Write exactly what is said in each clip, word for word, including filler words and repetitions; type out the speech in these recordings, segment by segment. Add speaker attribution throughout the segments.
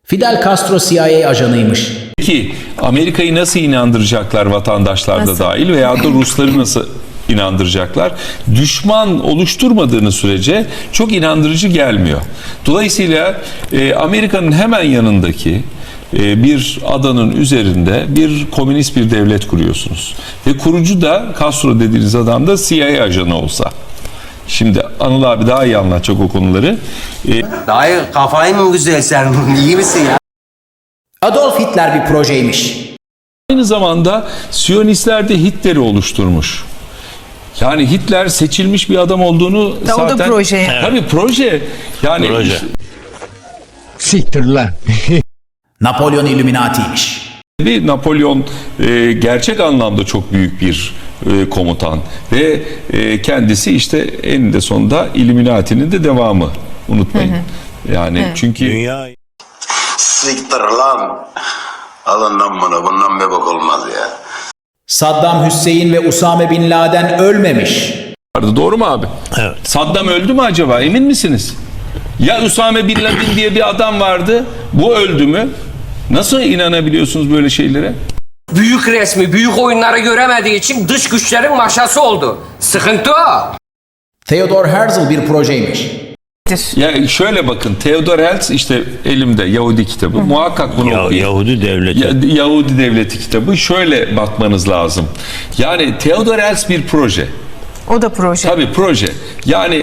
Speaker 1: Fidel Castro C I A ajanıymış.
Speaker 2: Peki Amerika'yı nasıl inandıracaklar, vatandaşlar da dahil, veya da Rusları nasıl inandıracaklar? Düşman oluşturmadığınız sürece çok inandırıcı gelmiyor. Dolayısıyla e, Amerika'nın hemen yanındaki e, bir adanın üzerinde bir komünist bir devlet kuruyorsunuz. Ve kurucu da Castro dediğiniz adam da C I A ajanı olsa. Şimdi Anıl abi daha iyi anlatacak o konuları. E,
Speaker 3: Dayı kafayı mı güzel sen? İyi misin ya?
Speaker 1: Adolf Hitler bir projeymiş.
Speaker 2: Aynı zamanda Siyonistler de Hitler'i oluşturmuş. Yani Hitler seçilmiş bir adam olduğunu
Speaker 4: Da
Speaker 2: zaten...
Speaker 4: o da proje. Evet.
Speaker 2: Tabii proje. Yani
Speaker 5: Proje.
Speaker 6: Siktir lan.
Speaker 1: Napolyon Illuminati'ymiş.
Speaker 2: bir Napolyon e, gerçek anlamda çok büyük bir e, komutan ve e, kendisi işte eninde sonunda Illuminati'nin de devamı. Unutmayın. Hı hı. Yani hı. çünkü
Speaker 5: Dünya
Speaker 7: Siktir lan. Alın lan bunu. Bundan bir bok olmaz ya.
Speaker 1: Saddam Hüseyin ve Usame Bin Laden ölmemiş.
Speaker 2: doğru mu abi?
Speaker 5: Evet.
Speaker 2: Saddam öldü mü acaba? Emin misiniz? Ya Usame Bin Laden diye bir adam vardı. Bu öldü mü? Nasıl inanabiliyorsunuz böyle şeylere?
Speaker 8: Büyük resmi, büyük oyunları göremediği için dış güçlerin maşası oldu. Sıkıntı o.
Speaker 1: Theodor Herzl bir projeymiş.
Speaker 2: Ya şöyle bakın, Theodor Herzl işte elimde Yahudi kitabı. Hı. Muhakkak bunu
Speaker 5: Ya,
Speaker 2: okuyun.
Speaker 5: Yahudi devleti.
Speaker 2: Ya, Yahudi devleti kitabı. Şöyle bakmanız lazım. Yani Theodor Herzl bir proje.
Speaker 4: O da proje.
Speaker 2: Tabii proje. Yani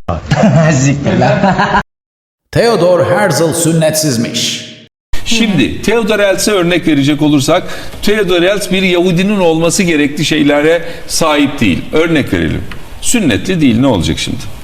Speaker 1: Theodor Herzl sünnetsizmiş.
Speaker 2: şimdi Theodor Herzl'e örnek verecek olursak, Theodor Herzl bir Yahudinin olması gerekli şeylere sahip değil. Örnek verelim. Sünnetli değil, ne olacak şimdi?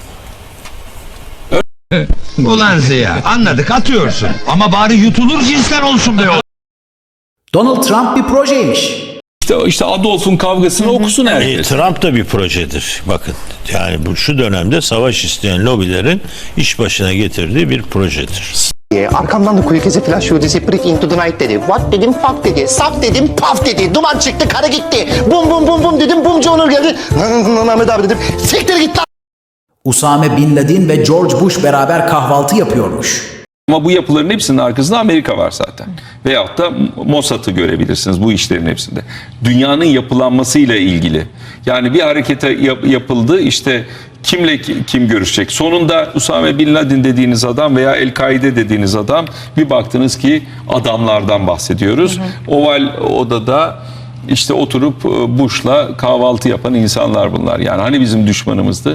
Speaker 6: Ulan Ziya anladık atıyorsun. Ama bari yutulur cinsten olsun be o.
Speaker 1: Donald Trump bir projeymiş.
Speaker 2: İşte, işte Adolf'un kavgasını okusun
Speaker 5: E,
Speaker 2: herkes.
Speaker 5: Trump da bir projedir. Bakın yani bu şu dönemde savaş isteyen lobilerin iş başına getirdiği bir projedir.
Speaker 9: Arkamdan da kuyu kezi flash yudisi breathe into the night dedi. What dedim fuck dedi. Sap dedim paf dedi. Duman çıktı karı gitti. Bum bum bum bum dedim. Bumcu Onur geldi. Ahmet abi dedim. Siktir git lan.
Speaker 1: Usame Bin Laden ve George Bush beraber kahvaltı yapıyormuş.
Speaker 2: Ama bu yapıların hepsinin arkasında Amerika var zaten. Veyahut da Mossad'ı görebilirsiniz bu işlerin hepsinde. Dünyanın yapılanmasıyla ilgili. Yani bir harekete yap- yapıldı, işte kimle ki- kim görüşecek? Sonunda Usame Bin Laden dediğiniz adam veya El-Kaide dediğiniz adam, bir baktınız ki adamlardan bahsediyoruz. Hı hı. Oval odada işte oturup Bush'la kahvaltı yapan insanlar bunlar. Yani hani bizim düşmanımızdı?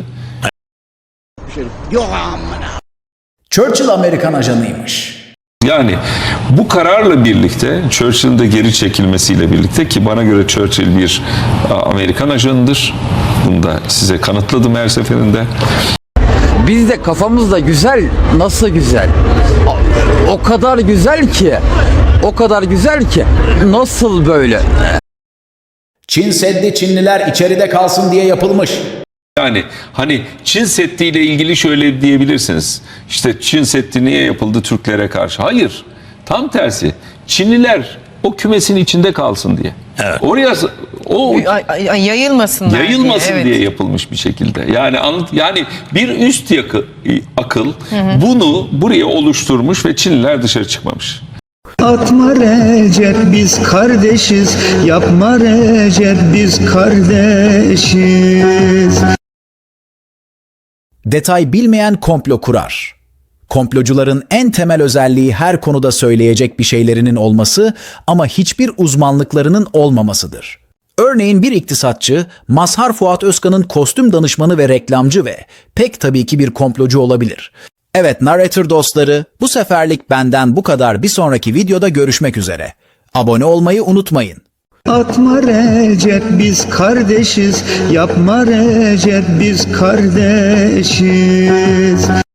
Speaker 1: Churchill Amerikan ajanıymış.
Speaker 2: Yani bu kararla birlikte, Churchill'in de geri çekilmesiyle birlikte, ki bana göre Churchill bir Amerikan ajanıdır. Bunu da size kanıtladım her seferinde.
Speaker 10: Biz de kafamızda güzel, nasıl güzel? O, o kadar güzel ki, o kadar güzel ki, nasıl böyle?
Speaker 1: Çin Seddi Çinliler içeride kalsın diye yapılmış.
Speaker 2: Yani hani Çin Seddi ile ilgili şöyle diyebilirsiniz. İşte Çin Seddi niye yapıldı Türklere karşı? Hayır. Tam tersi. Çinliler o kümesin içinde kalsın diye.
Speaker 5: Evet.
Speaker 2: Oraya o
Speaker 4: Ay, ay, ay, yayılmasınlar
Speaker 2: yayılmasın
Speaker 4: diye,
Speaker 2: diye,
Speaker 4: evet.
Speaker 2: yapılmış bir şekilde. Yani anlat, yani bir üst yakı, akıl hı hı. bunu buraya oluşturmuş ve Çinliler dışarı çıkmamış.
Speaker 11: Atma Recep biz kardeşiz, yapma Recep biz kardeşiz.
Speaker 1: Detay bilmeyen komplo kurar. Komplocuların en temel özelliği her konuda söyleyecek bir şeylerinin olması ama hiçbir uzmanlıklarının olmamasıdır. Örneğin bir iktisatçı, Mazhar Fuat Özkan'ın kostüm danışmanı ve reklamcı ve pek tabii ki bir komplocu olabilir. Evet Narrator dostları, bu seferlik benden bu kadar. Bir sonraki videoda görüşmek üzere. Abone olmayı unutmayın.
Speaker 11: Atma Recep biz kardeşiz, yapma Recep biz kardeşiz.